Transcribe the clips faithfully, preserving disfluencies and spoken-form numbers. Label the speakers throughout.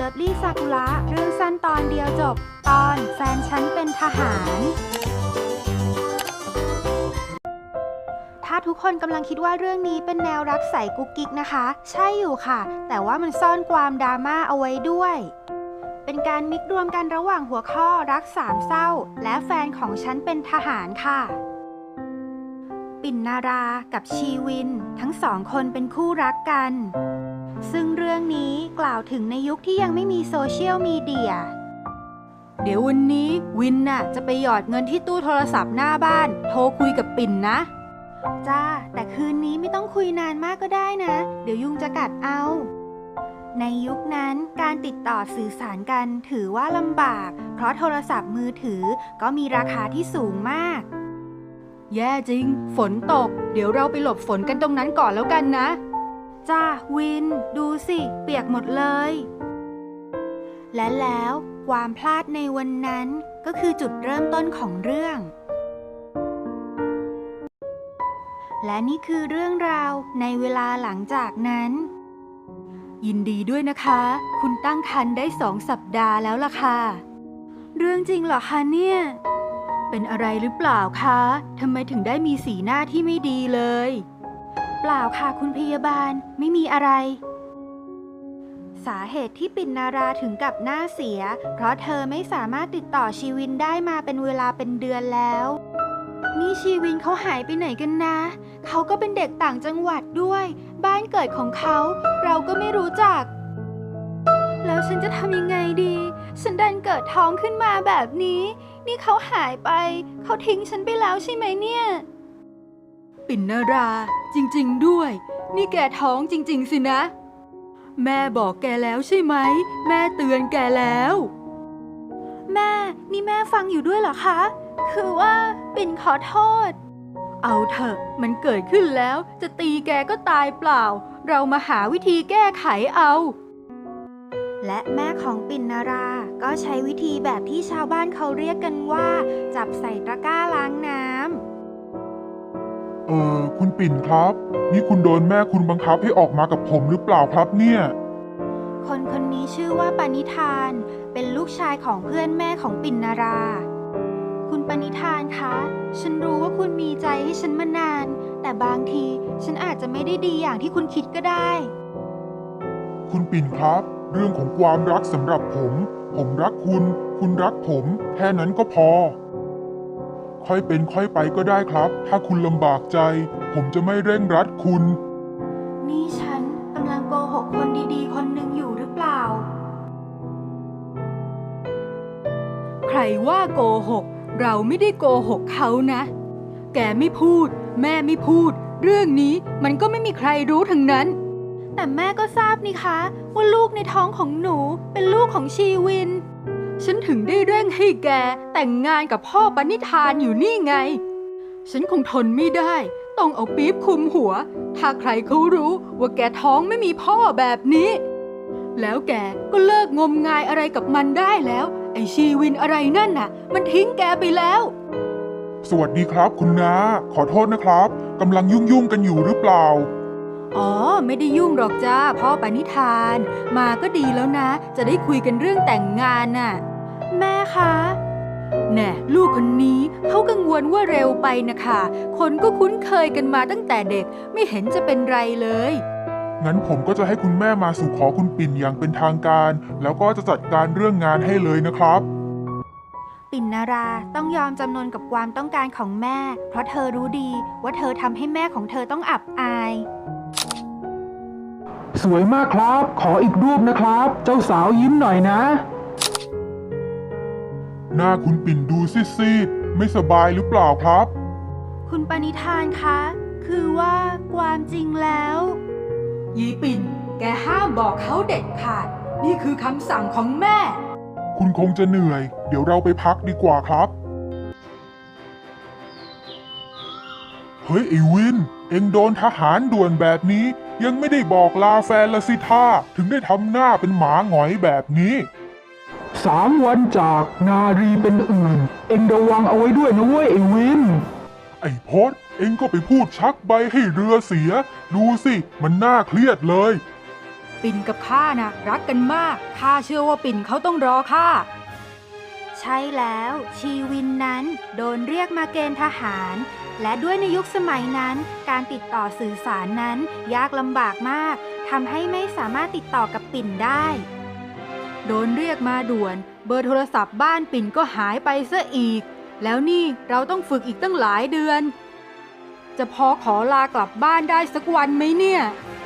Speaker 1: ลิฟลี่ซากุระเรื่องสั้นตอนเดียวจบตอนแฟนฉันเป็นทหารถ้าทุกคนกำลังคิดว่าเรื่องนี้เป็นแนวรักใสกุ๊กกิ๊กนะคะใช่อยู่ค่ะแต่ว่ามันซ่อนความดราม่าเอาไว้ด้วยเป็นการมิกรวมกันระหว่างหัวข้อรักสามเศร้าและแฟนของฉันเป็นทหารค่ะปิ่นนารากับชีวินทั้งสองคนเป็นคู่รักกันซึ่งเรื่องนี้กล่าวถึงในยุคที่ยังไม่มีโซเชียลมีเดียเดี๋ยววันนี้วินน่ะจะไปหยอดเงินที่ตู้โทรศัพท์หน้าบ้านโทรคุยกับปิ่นนะจ้าแต่คืนนี้ไม่ต้องคุยนานมากก็ได้นะเดี๋ยวยุงจะกัดเอาในยุคนั้นการติดต่อสื่อสารกันถือว่าลำบากเพราะโทรศัพท์มือถือก็มีราคาที่สูงมากแย่จริงฝนตกเดี๋ยวเราไปหลบฝนกันตรงนั้นก่อนแล้วกันนะจ้าวินดูสิเปียกหมดเลยและแล้วความพลาดในวันนั้นก็คือจุดเริ่มต้นของเรื่องและนี่คือเรื่องราวในเวลาหลังจากนั้นยินดีด้วยนะคะคุณตั้งครรภ์ได้สองสัปดาห์แล้วล่ะค่ะเรื่องจริงเหรอคะเนี่ยเป็นอะไรหรือเปล่าคะทำไมถึงได้มีสีหน้าที่ไม่ดีเลยเปล่าค่ะคุณพยาบาลไม่มีอะไรสาเหตุที่ปิ่นนาราถึงกับหน้าเสียเพราะเธอไม่สามารถติดต่อชีวินได้มาเป็นเวลาเป็นเดือนแล้วนี่ชีวินเขาหายไปไหนกันนะเขาก็เป็นเด็กต่างจังหวัดด้วยบ้านเกิดของเขาเราก็ไม่รู้จักแล้วฉันจะทำยังไงดีฉันดันเกิดท้องขึ้นมาแบบนี้นี่เขาหายไปเขาทิ้งฉันไปแล้วใช่ไหมเนี่ยปิ่นนาราจริงๆด้วยนี่แกท้องจริงๆสินะแม่บอกแกแล้วใช่ไหมแม่เตือนแกแล้วแม่นี่แม่ฟังอยู่ด้วยเหรอคะคือว่าปิ่นขอโทษเอาเถอะมันเกิดขึ้นแล้วจะตีแกก็ตายเปล่าเรามาหาวิธีแก้ไขเอาและแม่ของปิ่นนาราก็ใช้วิธีแบบที่ชาวบ้านเขาเรียกกันว่าจับใส่ตะกร้าล้างน้ำ
Speaker 2: เออคุณปิ่นครับนี่คุณโดนแม่คุณบังคับให้ออกมากับผมหรือเปล่าครับเนี่ย
Speaker 1: คนคนนี้ชื่อว่าปณิธานเป็นลูกชายของเพื่อนแม่ของปิ่นนาราคุณปณิธานคะฉันรู้ว่าคุณมีใจให้ฉันมานานแต่บางทีฉันอาจจะไม่ได้ดีอย่างที่คุณคิดก็ได้
Speaker 2: คุณปิ่นครับเรื่องของความรักสำหรับผมผมรักคุณคุณรักผมแค่นั้นก็พอค่อยเป็นค่อยไปก็ได้ครับถ้าคุณลำบากใจผมจะไม่เร่งรัดคุณ
Speaker 1: นี่ฉันกำลังโกหกคนดีๆคนหนึ่งอยู่หรือเปล่าใครว่าโกหกเราไม่ได้โกหกเขานะแกไม่พูดแม่ไม่พูดเรื่องนี้มันก็ไม่มีใครรู้ทั้งนั้นแต่แม่ก็ทราบนี่คะว่าลูกในท้องของหนูเป็นลูกของชีวินฉันถึงได้เร่งให้แกแต่งงานกับพ่อปณิธานอยู่นี่ไงฉันคงทนไม่ได้ต้องเอาปี๊บคลุมหัวถ้าใครเขารู้ว่าแกท้องไม่มีพ่อแบบนี้แล้วแกก็เลิกงมงายอะไรกับมันได้แล้วไอ้ชีวินอะไรนั่นน่ะมันทิ้งแกไปแล้ว
Speaker 2: สวัสดีครับคุณน้าขอโทษนะครับกำลังยุ่งยุ่งกันอยู่หรือเปล่า
Speaker 1: อ๋อไม่ได้ยุ่งหรอกจ้าพ่อปณิธานมาก็ดีแล้วนะจะได้คุยกันเรื่องแต่งงานน่ะแม่คะแน่ลูกคนนี้เขากังวลว่าเร็วไปนะคะคนก็คุ้นเคยกันมาตั้งแต่เด็กไม่เห็นจะเป็นไรเลย
Speaker 2: งั้นผมก็จะให้คุณแม่มาสู่ขอคุณปิ่นอย่างเป็นทางการแล้วก็จะจัดการเรื่องงานให้เลยนะครับ
Speaker 1: ปิ่นนาราต้องยอมจำนนกับความต้องการของแม่เพราะเธอรู้ดีว่าเธอทำให้แม่ของเธอต้องอับอาย
Speaker 3: สวยมากครับขออีกรูปนะครับเจ้าสาวยิ้มหน่อยนะ
Speaker 2: หน้าคุณปิ่นดูซีดๆไม่สบายหรือเปล่าครับ
Speaker 1: คุณปณิธานคะคือว่าความจริงแล้วยีปิ่นแกห้ามบอกเขาเด็ดขาดนี่คือคำสั่งของแม่
Speaker 2: คุณคงจะเหนื่อยเดี๋ยวเราไปพักดีกว่าครับเฮ้ยไอ้วินเอ็งโดนทหารด่วนแบบนี้ยังไม่ได้บอกลาแฟนละสิท่าถึงได้ทำหน้าเป็นหมาหงอยแบบนี้
Speaker 3: สามวันจากนารีเป็นอื่นเอ็งระวังเอาไว้ด้วยนะเว้ยไอ้วิน
Speaker 2: ไอ้พศเอ็งก็ไปพูดชักใบให้เรือเสียดูสิมันน่าเครียดเลย
Speaker 1: ปิ่นกับข้านะรักกันมากข้าเชื่อว่าปิ่นเขาต้องรอข้าใช่แล้วชีวินนั้นโดนเรียกมาเกณฑ์ทหารและด้วยในยุคสมัยนั้นการติดต่อสื่อสารนั้นยากลำบากมากทำให้ไม่สามารถติดต่อกับปิ่นได้โดนเรียกมาด่วนเบอร์โทรศัพท์บ้านปิ่นก็หายไปซะอีกแล้วนี่เราต้องฝึกอีกตั้งหลายเดือนจะพอขอลากลับบ้านได้สักวันไหมเนี่ย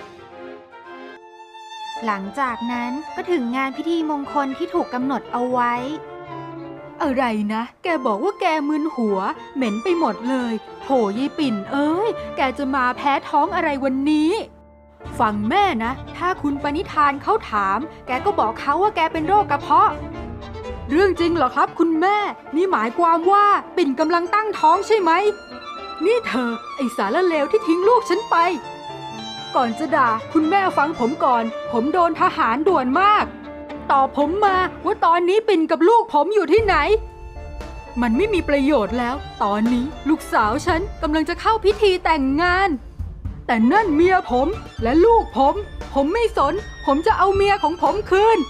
Speaker 1: หลังจากนั้นก็ถึงงานพิธีมงคลที่ถูกกำหนดเอาไว้อะไรนะแกบอกว่าแกมึนหัวเหม็นไปหมดเลยโถยายปิ่นเอ้ยแกจะมาแพ้ท้องอะไรวันนี้ฟังแม่นะถ้าคุณปณิธานเขาถามแกก็บอกเขาว่าแกเป็นโรคกระเพาะเรื่องจริงเหรอครับคุณแม่นี่หมายความว่าปิ่นกำลังตั้งท้องใช่ไหมนี่เธอไอสารเลวที่ทิ้งลูกฉันไปก่อนจะด่าคุณแม่ฟังผมก่อนผมโดนทหารด่วนมากตอบผมมาว่าตอนนี้ปิ่นกับลูกผมอยู่ที่ไหนมันไม่มีประโยชน์แล้วตอนนี้ลูกสาวฉันกำลังจะเข้าพิธีแต่งงานแต่นั่นเมียผมและลูกผมผมไม่สนผมจะเอาเมียของผมคืน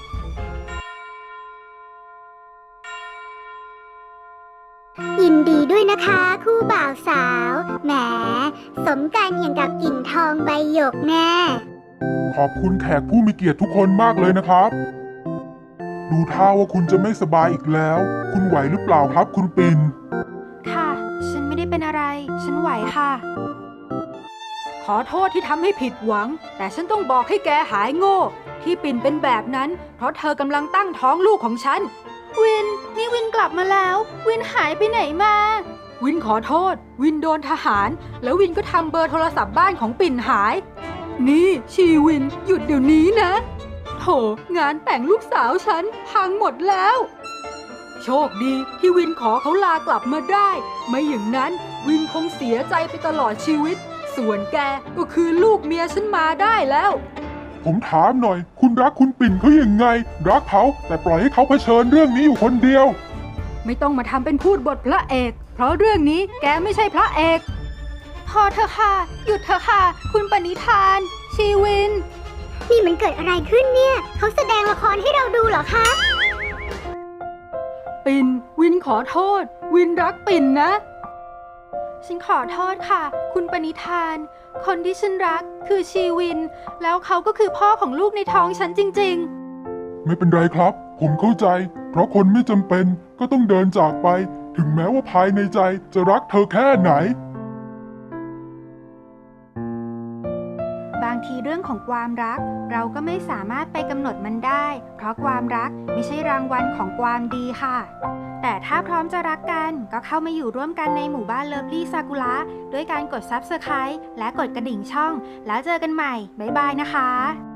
Speaker 4: ยินดีด้วยนะคะคู่บ่าวสาวแหมสมกันอย่างกับกิ่งทองใบหยกแน่
Speaker 2: ขอบคุณแขกผู้มีเกียรติทุกคนมากเลยนะครับ ดูท่าว่าคุณจะไม่สบายอีกแล้ว คุณไหวหรือเปล่าครับคุณปิ่น
Speaker 1: ค่ะฉันไม่ได้เป็นอะไรฉันไหวค่ะขอโทษที่ทำให้ผิดหวังแต่ฉันต้องบอกให้แกหายโง่ที่ปิ่นเป็นแบบนั้นเพราะเธอกำลังตั้งท้องลูกของฉันวินนี่วินกลับมาแล้ววินหายไปไหนมาวินขอโทษวินโดนทหารแล้ววินก็ทำเบอร์โทรศัพท์บ้านของปิ่นหายนี่ชีวินหยุดเดี๋ยวนี้นะโถงานแต่งลูกสาวฉันพังหมดแล้วโชคดีที่วินขอเขาลากลับมาได้ไม่อย่างนั้นวินคงเสียใจไปตลอดชีวิตส่วนแกก็คือลูกเมียฉันมาได้แล้ว
Speaker 2: ผมถามหน่อยคุณรักคุณปิ่นเขาอย่างไงรักเขาแต่ปล่อยให้เขาเผชิญเรื่องนี้อยู่คนเดียว
Speaker 1: ไม่ต้องมาทำเป็นพูดบทพระเอกเพราะเรื่องนี้แกไม่ใช่พระเอกพอเถอะค่ะหยุดเถอะค่ะคุณปณิธานชีวิน
Speaker 4: นี่มันเกิดอะไรขึ้นเนี่ยเขาแสดงละครให้เราดูเหรอคะ
Speaker 1: ปิ่นวินขอโทษวินรักปิ่นนะฉันขอโทษค่ะคุณปณิธานคนที่ฉันรักคือชีวินแล้วเขาก็คือพ่อของลูกในท้องฉันจริงๆ
Speaker 2: ไม่เป็นไรครับผมเข้าใจเพราะคนไม่จำเป็นก็ต้องเดินจากไปถึงแม้ว่าภายในใจจะรักเธอแค่ไหน
Speaker 1: บางทีเรื่องของความรักเราก็ไม่สามารถไปกำหนดมันได้เพราะความรักไม่ใช่รางวัลของความดีค่ะแต่ถ้าพร้อมจะรักกันก็เข้ามาอยู่ร่วมกันในหมู่บ้านเลิฟลี่ซากุระด้วยการกด ซับสไครบ์ และกดกระดิ่งช่องแล้วเจอกันใหม่บ๊ายบายนะคะ